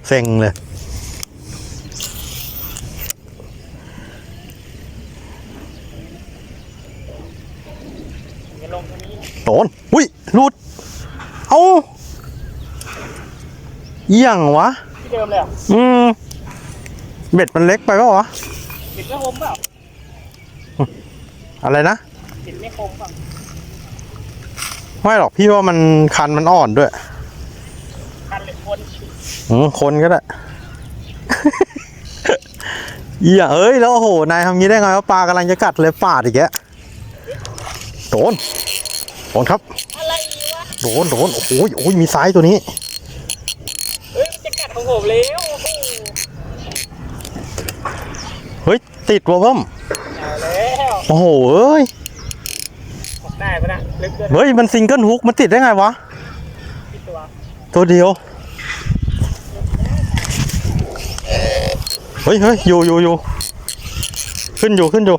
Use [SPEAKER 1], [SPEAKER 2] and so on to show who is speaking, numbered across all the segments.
[SPEAKER 1] เซ็งเลยโดนอุ้ยหลุดเอ้าเยี่ยงวะที่เดิมเลยเบ็ดมันเล็กไปเปล่าวะเบ็ดไม่คมเปล่าอะไรนะเบ็ดไม่คมเปล่าไม่หรอกพี่ว่ามันคันมันอ่อนด้วยคันหรือคนก็ได้เยี่ยเอ้ยแล้วโอ้โหนายทำงี้ได้ไงว่าปลากำลังจะกัดเลยปาดอีกแกโดนครับอะไรวะโดนโอ้ยมีไซส์ตัวนี้เฮ้ยจะกัดของผมแล้วเฮ้ยติดวะเพิ่มแล้วโอ้โหเอ้ยได้ปะนะลึกด้วยเฮ้ยมันซิงเกิลฮุกมันติดได้ไงวะตัวเดียวเฮ้ยอยู่ขึ้นอยู่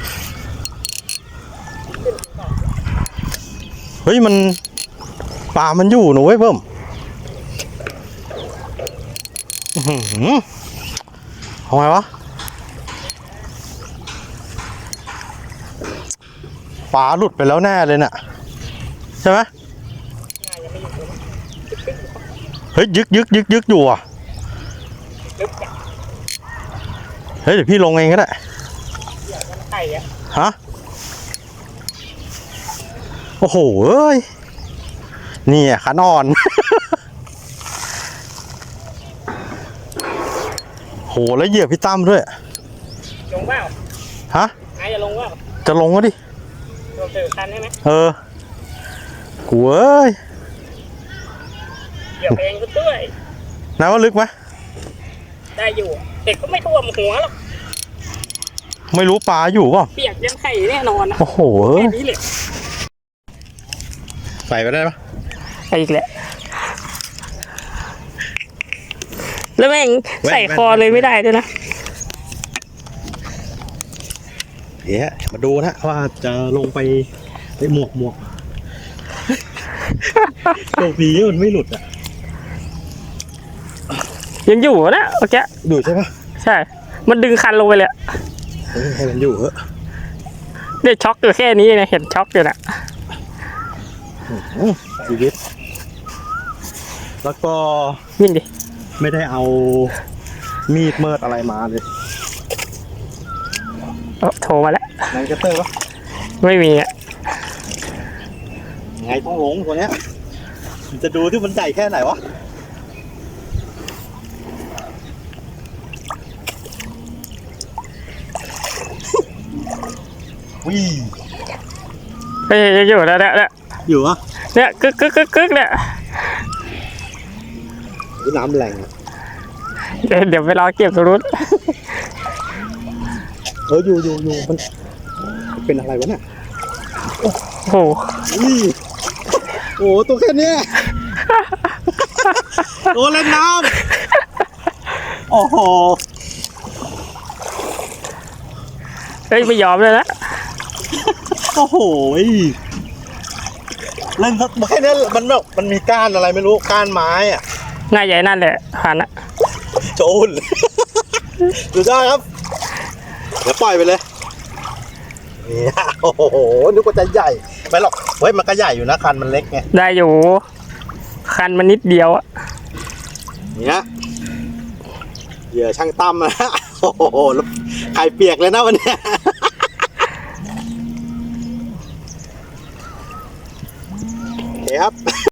[SPEAKER 1] เฮ้ยมันปลามันอยู่หนูเว้ยเพิ่มเอาไงวะปลาหลุดไปแล้วแน่เลยน่ะใช่ไหมเฮ้ยยึกอยู่อ่ะเฮ้ยเดี๋ยวพี่ลงเองก็ได้ฮะโอ้โหเอ้ยนี่อ่ะขันอ่อนโหแล้วเหยียบพี่ตั้มด้วยลงเปล่าฮะนายจะลงเปล่าจะลงก็ดิลงเจอคันใช่ไหมกูเอ้ยเหยียบเองก็ด้วยนายว่าลึกไหมได้อยู่เด็กก็ไม่ท่วมหัวหรอกไม่รู้ปลาอยู่ป่ะเปียกยังไข่แน่นอนนะโอ้โหแค่นี้เลยใส่ไปได้ปะไปอีกแหละแล้วแม่งใส่คอเลยไม่ได้ด้วยนะเดี๋ยวมาดูนะว่าจะลงไปได้หมวกโชคดีมันไม่หลุดอ่ะยังอยู่นะโอเคดูใช่ปะใช่มันดึงคันลงไปเลยให้มันอยู่เหรอได้ช็อกอยู่แค่นี้นะเห็นช็อกอยู่นะชีวิตแล้วก็วิ่งดิไม่ได้เอามีดเมิดอะไรมาเลยโทรมาแล้วนายกระเตอร์ปะไม่มีอ่ะไงต้องลงตัวเนี้ยจะดูที่มันใหญ่แค่ไหนวะวิ่งเฮ้ยอยู่แล้วเนี่ยอยู่อ่ะเนี่ยกึกเนี่ยน้ำแรงเดี๋ยวไปรอเก็บตรงนู้นอยู่มันเป็นอะไรวะเนี่ยโอ้โหตัวแค่นี้ตัวเล่นน้ำโอ้โหเฮ้ยไม่ยอมเลยนะโอ้โหเล่นแค่นี้มันแบบมันมีก้านอะไรไม่รู้ก้านไม้อะง่ายใหญ่นั่นแหละผ่านนะโจนดูได้ครับเดี๋ยวปล่อยไปเลยนี่โอ้โหนึกว่าจะใหญ่ไม่หรอกเฮ้ยมันก็ใหญ่อยู่นะคันมันเล็กไงได้อยู่คันมันนิดเดียวอะเนี่ยเหยื่อช่างตั้มนะโอ้โหไข่เปียกเลยนะวันนี้โอเคครับ